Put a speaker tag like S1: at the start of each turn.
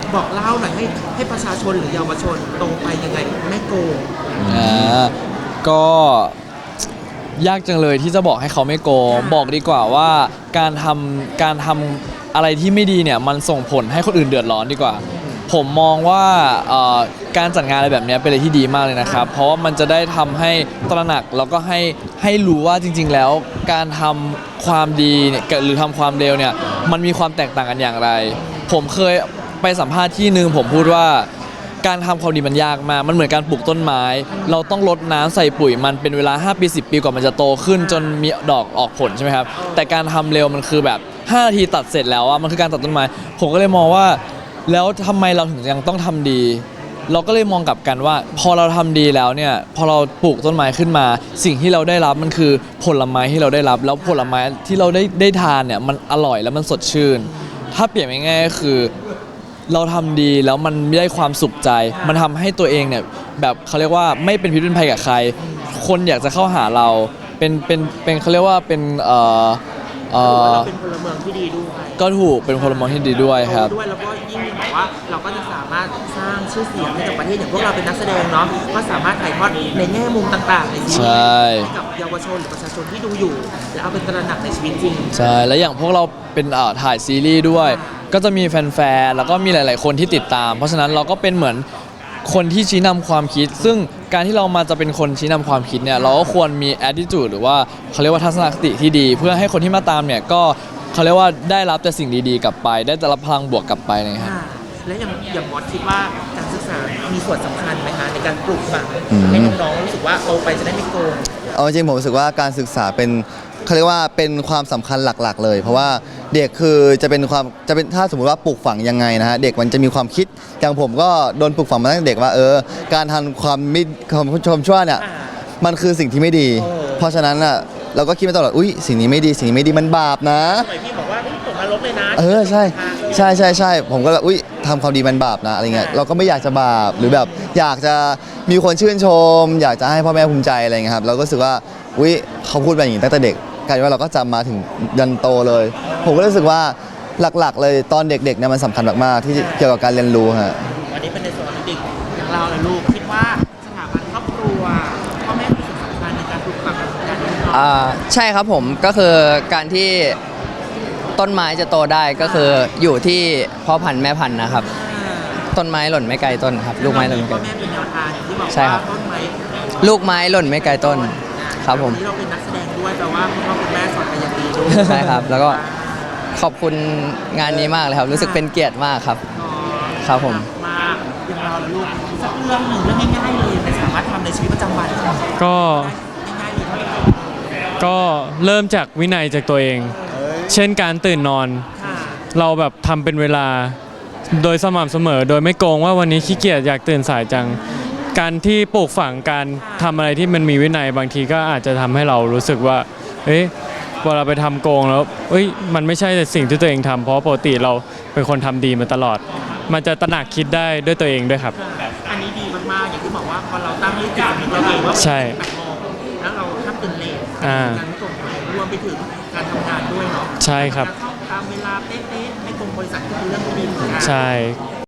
S1: บอกเล่าหน่อยให้ประชาชนหรือเยาวชนตรงไปยังไงไม่โกง
S2: ก็ยากจังเลยที่จะบอกให้เขาไม่โกงบอกดีกว่าว่าการทำอะไรที่ไม่ดีเนี่ยมันส่งผลให้คนอื่นเดือดร้อนดีกว่าผมมองว่าการจัดงานอะไรแบบนี้เป็นอะไรที่ดีมากเลยนะครับเพราะว่ามันจะได้ทำให้ตระหนักแล้วก็ให้รู้ว่าจริงๆแล้วการทำความดีเนี่ยหรือทำความเลวเนี่ยมันมีความแตกต่างกันอย่างไรผมเคยไปสัมภาษณ์ที่นึงผมพูดว่าการทำความดีมันยากมากมันเหมือนการปลูกต้นไม้เราต้องรดน้ำใส่ปุ๋ยมันเป็นเวลา5 ปี 10 ปีกว่ามันจะโตขึ้นจนมีดอกออกผลใช่ไหมครับแต่การทำเร็วมันคือแบบ5 นาทีตัดเสร็จแล้วอะมันคือการตัดต้นไม้ผมก็เลยมองว่าแล้วทำไมเราถึงยังต้องทำดีเราก็เลยมองกลับกันว่าพอเราทำดีแล้วเนี่ยพอเราปลูกต้นไม้ขึ้นมาสิ่งที่เราได้รับมันคือผลไม้ที่เราได้รับแล้วผลไม้ที่เราได้ทานเนี่ยมันอร่อยแล้วมันสดชื่นถ้าเปรียบง่ายๆก็คือเราทำดีแล้วมันได้ความสุขใจมันทำให้ตัวเองเนี่ยแบบเขาเรียกว่าไม่เป็นพิษเป็นภัยกับใครคนอยากจะเข้าหาเราเป็นเขาเรียกว่าเป็น
S1: เราเป็นพลเมืองที่ดีด้วย
S2: ก็ถูกเป็นพลเมืองที่ดีด้วยครับ
S1: ด้วยแล้วก็ยิ่งแบบว่าเราก็จะสามารถสร้างชื่อเสียงให้กับประเทศอย่างพวกเราเป็นนักแสดงเนาะก็สามารถถ่ายทอดในแง่มุมต่างๆในชีวิตให้กับเยาวชนหรือประชาชนที่ดูอยู่แล้วเอาเป็นตระหนักในชีวิตจริง
S2: ใช่แล้วอย่างพวกเราเป็นถ่ายซีรีส์ด้วยก็จะมีแฟนๆแล้วก็มีหลายๆคนที่ติดตามเพราะฉะนั้นเราก็เป็นเหมือนคนที่ชี้นำความคิดซึ่งการที่เรามาจะเป็นคนชี้นำความคิดเนี่ยเราก็ควรมี attitude หรือว่าเขาเรียกว่าทัศนคติที่ดีเพื่อให้คนที่มาตามเนี่ยก็เขาเรียกว่าได้รับแต่สิ่งดีๆกลับไปได้แต่รับพลังบวกกลับไปนะครับ
S1: และอย่างมอสคิดว่าการศึกษามีส่วนสำคัญไหมคะในการปลูกฝังให้น้องๆรู้สึกว่าโตไปจะได้ไม่โกง
S3: เอาจริงผมรู้สึกว่าการศึกษาเป็นเขาเรียกว่าเป็นความสำคัญหลักๆเลยเพราะว่าเด็กคือจะเป็นถ้าสมมุติว่าปลูกฝังยังไงนะฮะเด็กมันจะมีความคิดอย่างผมก็โดนปลูกฝังมาตั้งแต่เด็กว่าการทำความชมชั่วเนี่ยมันคือสิ่งที่ไม่ดีเพราะฉะนั้นอ่ะเราก็คิดมาตลอดสิ่งนี้ไม่ดีมันบาปนะ
S1: สมัยพี่บอกว่าตกนรกเลยนะ
S3: ใช่ผมก็ทำความดีมันบาปนะอะไรเงี้ยเราก็ไม่อยากจะบาปหรือแบบอยากจะมีคนชื่นชมอยากจะให้พ่อแม่ภูมิใจอะไรเงี้ยครับเราก็รู้สึกว่าเขาพูดแบบนี้ตั้งแต่เด็กกลายเป็นว่าเราก็จำมาถึงยันโตเลยผมก็รู้สึกว่าหลักๆเลยตอนเด็กๆเนี่ยมันสำคัญมากๆที่เกี่ยวกับการเรียนรู้ฮะ
S1: วันนี้เป็นในส่วนของเด็กอย่างเราและลูกคิดว่าสถาบันครอบครัวพ่อแม่มีส่วนสำคัญในการปลูกฝังการเรียนรู้
S4: ใช่ครับผมก็คือการที่ต้นไม้จะโตได้ก็คืออยู่ที่พ่อพันธุ์แม่พันธุ์นะครับต้นไม้หล่นไม่ไกลต้นครับลูกไม้หล่นไม่ไกลใช่ครับลูกไม้หล่นไม่ไกลต้นครับผม
S1: เราเป็นนักแสดงด้วยแต่ว่าคุณพ่อคุณแม่สอนเป็นอย่างดีด้วย
S4: ใช่ครับแล้วก็ขอบคุณงานนี้มากเลยครับรู้สึกเป็นเกียรติมากครับครับผม
S1: มาอย่างเราและลูกสักเรื่องหนึ่งเรื่องง่ายๆเลยแต่สามารถทำในชีวิตประจำวัน
S5: ก็เริ่มจากวินัยจากตัวเองเช่นการตื่นนอนเราแบบทำเป็นเวลาโดยสม่ำเสมอโดยไม่โกงว่าวันนี้ขี้เกียจอยากตื่นสายจังการที่ปลูกฝังการทำอะไรที่มันมีวินัยบางทีก็อาจจะทำให้เรารู้สึกว่าพอเราไปทำโกงแล้วมันไม่ใช่สิ่งที่ตัวเองทำเพราะปกติเราเป็นคนทำดีมาตลอดมันจะตระหนักคิดได้ด้วยตัวเองด้วยครับ
S1: อันนี้ดีมากๆอย่างที่บอกว่าพอเราตั้งรูปแบบของเราเองว่า
S5: ใช่
S1: แล้วเราทำตื่นเลทการส่งรวมไปถึงการทำงานด้วยเนาะ
S5: ใช่ครับ
S1: เข้าตามเวลาเป๊ะๆไม่ตรงบริษัทก็เป็นเรื่องที่ดีเหมือนกัน
S5: ใช่